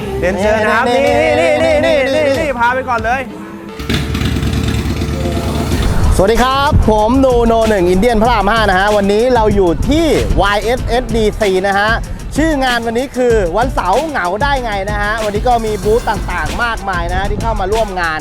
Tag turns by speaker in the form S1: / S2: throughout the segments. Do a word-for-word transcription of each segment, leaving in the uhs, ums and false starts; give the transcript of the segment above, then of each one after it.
S1: เรียนเชิญนะครับนี่นี่นี่นี่นี่นี่พาไปก่อนเลย
S2: สวัสดีครับผมนูโนหนึ่งอินเดียนพระรามห้านะฮะวันนี้เราอยู่ที่ วาย เอส เอส ดี ซี นะฮะชื่องานวันนี้คือวันเสาร์เหงาได้ไงนะฮะวันนี้ก็มีบูธต่างๆมากมายนะฮะที่เข้ามาร่วมงาน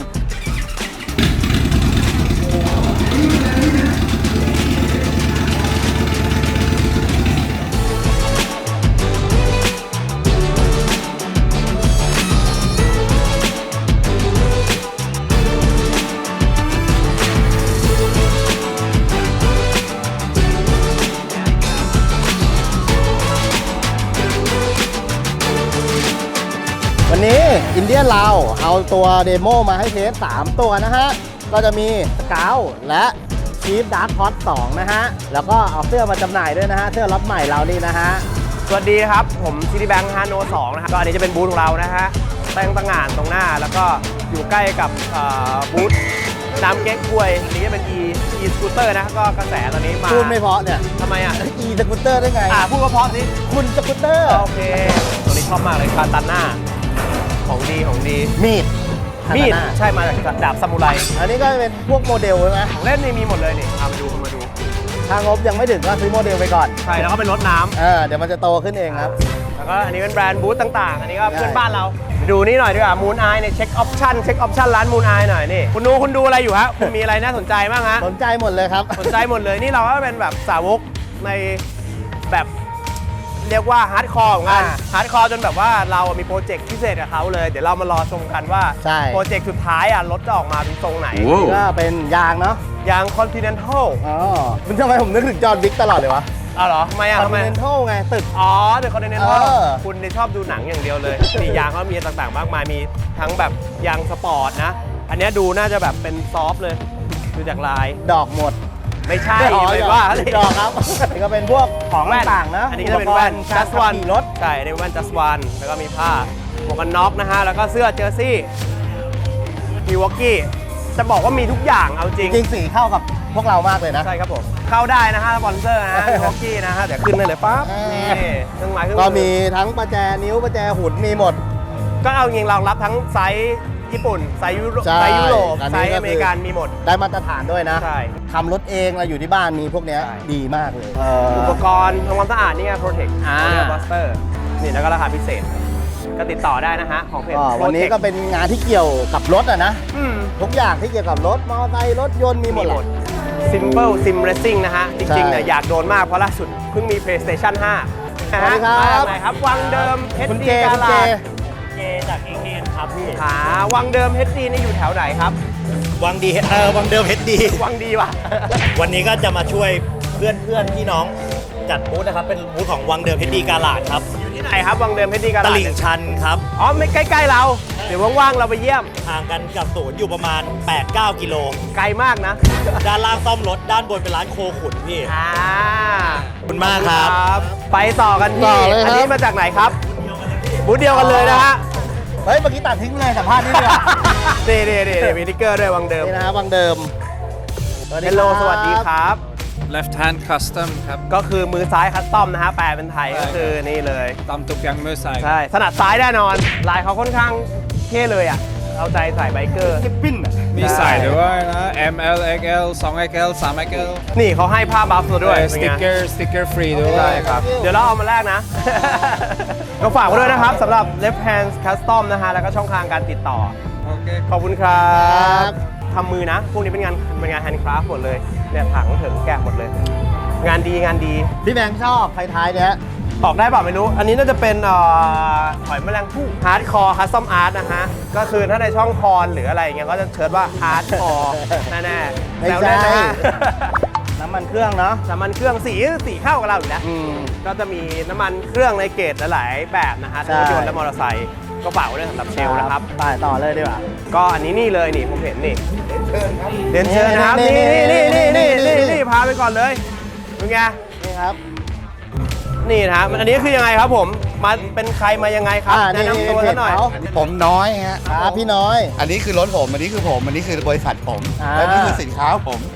S2: วันนี้อินเดียนเราเอาตัวเดโมมาให้เทสสามตัวนะฮะก็จะมีสเกลและชีฟดาร์คฮอตสองนะฮะแล้วก็เอาเสื้อมาจำหน่ายด้วยนะฮะเสื้อล็อตใหม่เรานี่นะฮะ
S1: สวัสดีครับผมซิตี้แบงค์ฮาโนสองนะครับก็อันนี้จะเป็นบูธของเรานะฮะตั้งตั้งงานตรงหน้าแล้วก็อยู่ใกล้กับบูธน้ำเก๊กฮวยอันนี้จะเป็น e e สกูตเตอร์นะก็กระแสตอนนี้มา
S2: พูดไม่เพราะเนี่ย
S1: ทำไมอ่ะ
S2: e สกูตเตอร์ได้ไง
S1: อ่าพูดเพราะสิ
S2: คุณสกูตเตอร์
S1: โอเคตัวนี้ชอบมากเลยคาตาน่าของดีของดี
S2: มีด
S1: มีดใช่มาจากดาบซามูไร
S2: อันนี้ก็เป็นพวกโมเดลใช่ไหม
S1: ของเล่นนี่มีหมดเลยนี่เอามาดูมาดู
S2: ถ้างบยังไม่ถึงก็ซื้อโมเดลไปก่อน
S1: ใช่แล้วก็เป็นรถน้ำ
S2: เออเดี๋ยวมันจะโตขึ้นเองครับ
S1: แล้วก็อันนี้เป็นแบรนด์บูธต่างๆอันนี้ก็เพื่อนบ้านเราดูนี่หน่อยดีกว่ามูนไอเนี่ยเช็คออปชั่นเช็คออปชั่นร้านมูนไอหน่อยนี่คุณดูคุณดูอะไรอยู่ฮะคุณมีอะไรน่าสนใจบ้างฮะ
S2: สนใจหมดเลยครับ
S1: สนใจหมดเลยนี่เราก็เป็นแบบสาวกในแบบเรียกว่าฮาร์ดคอร์ของกันฮาร์ดคอร์จนแบบว่าเรามีโปรเจกต์พิเศษกับเขาเลยเดี๋ยวเรามารอชมกันว่าโปรเจกต์สุดท้ายอ่ะรถจะออกมาเป็นทรงไหน
S2: ก็เป็นยางเนาะ
S1: ยาง Continental
S2: อ๋อมันทำไมผมนึกถึงจอห์นวิกตลอดเลยวะ
S1: อ๋อเหรอทำไมอ่ะ
S2: Continental ไงตึก
S1: อ๋อเดี๋ยว Continental คุณชอบดูหนังอย่างเดียวเลยมียางเขามีต่างๆมากมายมีทั้งแบบยางสปอร์ตนะอันนี้ดูน่าจะแบบเป็นซอฟต์เลยดูจากลาย
S2: ดอกหมด
S1: ไม่ใช่ไม่ว่า
S2: ดอกครับนี่ก็เป็นพวกของต่างๆนะ
S1: อันนี้ก็จะเป็นแว่น just one รถใช่ในแว่น just one แล้วก็มีผ้าหมวกกันน็อกนะฮะแล้วก็เสื้อเจอร์ซี่มิวอกกี้จะบอกว่ามีทุกอย่างเอาจริง
S2: จริงสีเข้ากับพวกเรามากเลยนะ
S1: ใช่ครับผมเข้าได้นะฮะสปอนเซอร์นะมิวอกกี้นะฮะเดี๋ยวขึ้นได้เลยปั๊บนี่เครื่องหมายเครื่อง
S2: ก็มีทั้งประแจนิ้วประแจหุ่นมีหมด
S1: ก็เอาจริงรองรับทั้งไซส์ญี่ปุ่นไซส์ยุโรปไซส์ยุโรปไซส์อเมริกันมีหมด
S2: ได้มาตรฐานด้วยนะ
S1: ใช่
S2: ทำรถเองเราอยู่ที่บ้านมีพวกนี้ดีมากเลย
S1: อุปกรณ์ทำความสะอาดนี่ไง Protect
S2: อ่า
S1: บัสเตอร์นี่แล้วก็ราคาพิเศษก็ติดต่อได้นะฮะของเพจ
S2: วันนี้ก็เป็นงานที่เกี่ยวกับรถอะนะทุกอย่างที่เกี่ยวกับรถมอเตอร์ไซค์รถยนต์มีหมดหมด
S1: Simple Sim Racing นะฮะจริงๆเนี่ยอยากโดนมากเพราะล่าสุดเพิ่งมี PlayStation ห้า
S2: สวัสดีครับ
S1: ไหนครับวังเดิม เอช ดี กาลาดเจจากเอเคนครับพี่หาวังเดิม เอช ดี นี่อยู่แถวไหนครับ
S3: วังดีเออวังเดิม เอช ดี
S1: วังดีว่ะ
S3: วันนี้ก็จะมาช่วยเพื่อนเพื่อนพี่น้องจัดบูธนะครับเป็นบูธของวังเดิม เอช ดี กาลาดครับ
S1: อยู่ที่ไหนครับวังเดิม เอช ดี กาลาด
S3: ตลิ่งชันครับ
S1: อ๋อไม่ใกล้ๆเราเดี๋ยวว่างๆเราไปเยี่ยม
S3: ห่างกันกับศูนย์อยู่ประมาณ แปดถึงเก้า กิโล
S1: ไกลมากนะ
S3: ด้านล่างซ่อมรถด้านบนเป็นร้านโคขุนพี่
S1: อ่า
S3: ขอบคุณมากครับ
S1: ไปต่อกันที่อันนี้มาจากไหนครับบูธเดียวกันเลยนะฮะ
S2: เฮ้ยเมื่อกี้ตัดทิ้งเลยสัมภาษณ์นี่เลย
S1: เด้เด้เด้มีติ๊กเกอร์ด้วยวังเดิม
S2: นี่นะวังเดิม
S1: ฮัลโหลสวัสดีครับ
S4: left hand custom ครับ
S1: ก็คือมือซ้ายคัสตอมนะฮะแปลเป็นไทยก็คือนี่เลย
S4: ตามตุกยังมือซ้าย
S1: ใช่ถนัดซ้ายแน่นอนลายเขาค่อนข้างเท่เลยอ่ะเอาใจใส่ไบเกอร์
S2: ปิ้น
S4: มีใส่ด้วยนะ เอ็ม แอล เอ็ก แอล สอง เอ็ก แอล สาม เอ็ก แอล
S1: นี่เขาให้ผ้าบัฟตัวด้วย
S4: สติ๊กเกอร์สติ๊กเกอร์ฟรีด้วย
S1: ใช่ครับเดี๋ยวเราเอามาแลกนะก็ฝากไว้ด้วยนะครับสำหรับ left hand custom นะฮะแล้วก็ช่องทางการติดต่อ
S4: โอเค
S1: ขอบคุณครับทำมือนะพวกนี้เป็นงานเป็นงานแฮนด์คราฟต์หมดเลยเนี่ยถังถึงแกะหมดเลยงานดีงานดี
S2: พี่แบงค์ชอบท้ายๆเนี้ย
S1: ออกได้เปล่าไม่รู้อันนี้น่าจะเป็นหอยแมลงภู่ฮาร์ดคอร์คัสตอมอาร์ตนะฮะก็คือถ้าในช่องคอนหรืออะไรอย่างเงี้ยก็จะเชิญว่าฮาร์ดคอร์แน่ๆ
S2: ไม่ใช่น้ำมันเครื่องเนาะ
S1: น้ำมันเครื่องสีสีเข้ากับเราอยู่แล้วก็จะมีน้ำมันเครื่องในเกรดหลายๆแบบนะฮะทั้งรถยนต์และมอเตอร์ไซค์ก็ฝากไว้ด้วยสำหรับเชลนะครับ
S2: ไปต่อเลยดีกว่า
S1: ก็อันนี้นี่เลยนี่ผมเห็นนี่เรียนเชิญนะครับนี่นี่นี่นี่นี่นี่นี่พาไปก่อนเลยเป็นไง
S2: นี่ครับ
S1: นี่นะอันนี้คือยังไงครับผมมาเป็นใครมายังไงครับแนะนำตัวซะหน่อย
S5: ผมน้อยฮะ
S2: ครับพี่น้อย
S5: อันนี้คือรถผมอันนี้คือผมอันนี้คือบริษัทผมและนี่คือสินค้าผม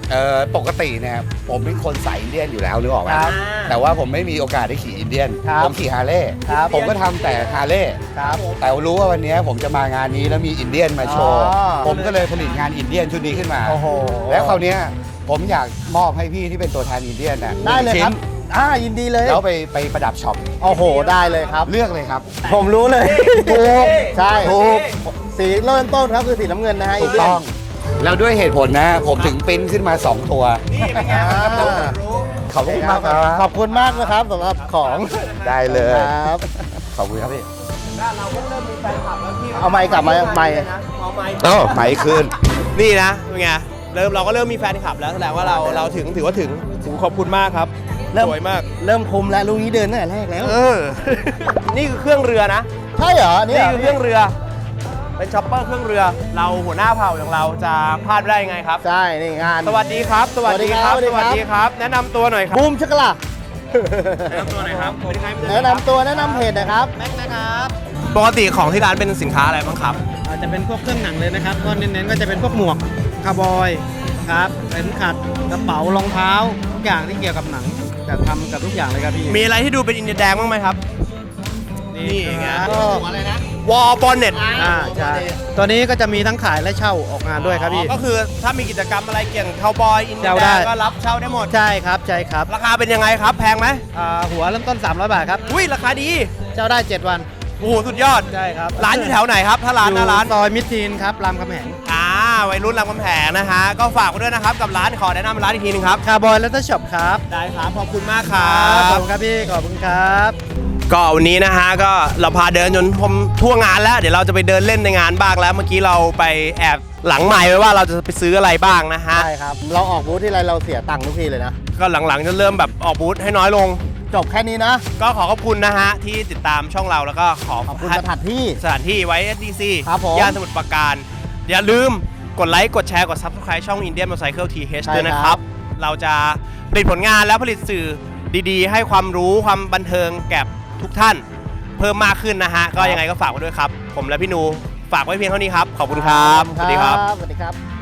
S5: เอ่อปกติเนี่ยผมเป็นคนสายอินเดียนอยู่แล้วนึกออกไหม
S2: ครับ
S5: แต่ว่าผมไม่มีโอกาสได้ขี่อินเดียน
S2: ครับ
S5: ผมขี่ฮาร์เลย์
S2: ครับ
S5: ผมก็ทำแต่ฮาร์เลย์
S2: ครับ
S5: แต่รู้ว่าวันนี้ผมจะมางานนี้แล้วมีอินเดียนมาโชว์
S2: อ๋อ
S5: ผมก็เลยผลิตงานอินเดียนชุดนี้ขึ้นมา
S2: โอ้โห
S5: แล้วคราวเนี้ยผมอยากมอบให้พี่ที่เป็นตัวแทนอินเดียนน่ะ
S2: ได้เลย
S5: ชิ้
S2: ครั
S5: น
S2: บอ่ายินดีเลย
S5: แล้วไปไปประดับช็อป
S2: โอ้โหได้เลยครับ
S5: เลือกเลยครับ
S2: ผมรู้เลย
S1: ถูก
S2: ใช่
S5: ถูก
S2: สีเริ่มต้นครับคือสีน้ำเงินนะฮะ
S5: ถูกต้อง แล้วด้วยเหตุผลนะ ผมถึงปริ้นขึ้นมา สอง ตัว
S1: นี่เป็นไง
S2: อ่า
S5: ขอบคุณมากครับ
S2: ขอบคุณมากนะครับสำหรับของ
S5: ได้เลย
S2: ครับ
S5: ขอบคุณครับพี่
S1: เราก็เริ่มมีแฟนคลับแล้วพี่
S2: เอาไมค์กลับมาไมค์
S1: เอาไมค์
S5: โอ้ไหมคืน
S1: นี่นะเป็นไงเริ่มเราก็เริ่มมีแฟนคลับแล้วแสดงว่าเราเราถึงถือว่าถึงถึงขอบคุณมากครับ
S2: เริ่ม
S1: สวยมาก
S2: เริ่มคุมแล้วลูกนี้เดินตั้งแต่แรกแล้ว
S1: เออ นี่คือเครื่องเรือนะ
S2: ใช่เหรอนี่
S1: นี่
S2: เหร
S1: คือเครื่องเรือ เป็นช็อปเปอร์เครื่องเรือ เราหัวหน้าเผ่าอย่างเราจะพลาดได้ยังไงครับ
S2: ใช่นี่งาน
S1: สวัสดีครับ สวัสดีครับ
S2: สวัสดี
S1: ส
S2: ครับ
S1: วัสดีครับ แนะนำตัวหน่อยครับ
S2: บูมชักละ
S1: แนะนำตัวหน่อยครับสวัสดีครับ
S2: แนะนำตัวแนะนำเพจนะครับ
S6: แม็กนะครับ
S1: ปกติของที่ร้านเป็นสินค้าอะไรบ้างครับ
S6: อาจจะเป็นพวกเครื่องหนังเลยนะครับก็เน้นๆก็จะเป็นพวกหมวกคาร์บอยครับเข็มขัดกระเป๋ารองเท้าทุกอย่างที่เกี่ยวกับหนังจะทำกับทุกอย่างเลยครับพี่
S1: มีอะไรที่ดูเป็นอินเดียแดงบ้างไหมครับ นี่ไง
S6: ก็
S1: วอลบอลเน็ต
S6: อ่าใช่ตัวนี้ก็จะมีทั้งขายและเช่าออกงานด้วยครับพี่
S1: ก็คือถ้ามีกิจกรรมอะไรเกี่ยวกับคาวบอยอินเดีย
S6: เช่า
S1: แด
S6: ได้
S1: งก็รับเช่าได้หมด
S6: ใช่ครับใช่ครับ
S1: ราคาเป็นยังไงครับ แพงไหม
S6: อ่าหัวเริ่มต้น สามร้อย บาทครับ
S1: อุ้ยราคาดี
S6: เช่าได้ เจ็ด วัน
S1: โอ้โหสุดยอด
S6: ใช่ครับ
S1: ร้านอยู่แถวไหนครับ ถ้าร้านหน้าร้าน
S6: ซอยมิตรทีนครับรามคำแหง
S1: อ่าวัยรุ่นรามคำแหงนะฮะ ก็ฝากไว้ด้วยนะครับ กับร้านขอแนะนำร้านอีกทีหนึงครับ
S6: คาร์บอยและก็ช็อปครับ
S1: ได้ครับ ขอบคุณมากครั
S6: ขอบบ คุณครับพี่ขอบคุณครับ
S1: ก็วันนี้นะฮะก็เราพาเดินจนผมทั่วงานแล้ว เดี๋ยวเราจะไปเดินเล่นในงานบ้างแล้ว เมื่อกี้เราไปแอบหลังใหม่ไว้ว่าเราจะไปซื้ออะไรบ้างนะฮะ
S2: ใช่ครับ เราออกบูธที่ไรเราเสียตังค์ทุกทีเลยนะ
S1: ก็หลังๆจะเริ่มแบบออกบูธให้น้อยลง
S2: จบแค่นี้นะ
S1: ก็ขอขอบคุณนะฮะที่ติดตามช่องเราแล้วก็ขอ
S2: ขอบคุณสถานที่
S1: สถานที่ไว้ เอส ดี ซี
S2: ครับผม
S1: ย่านสมุทรปราการ อย่าลืมกดไลค์กดแชร์กด Subscribe ช่อง Indian Motorcycle ที เอช
S2: ใช่
S1: ด้วยนะค
S2: ครั
S1: รับ
S2: บ
S1: เราจะผลิตผลงานและผลิตสื่อดีๆ ให้ความรู้ความบันเทิงแก่ทุกท่านเพิ่มมากขึ้นนะฮะ ก็ยังไงก็ฝากไว้ด้วยครับ ผมและพี่นูฝากไว้เพียงเท่านี้ครับ ขอบคุณครับ สวัสดีครับ
S2: สวัสดีครับ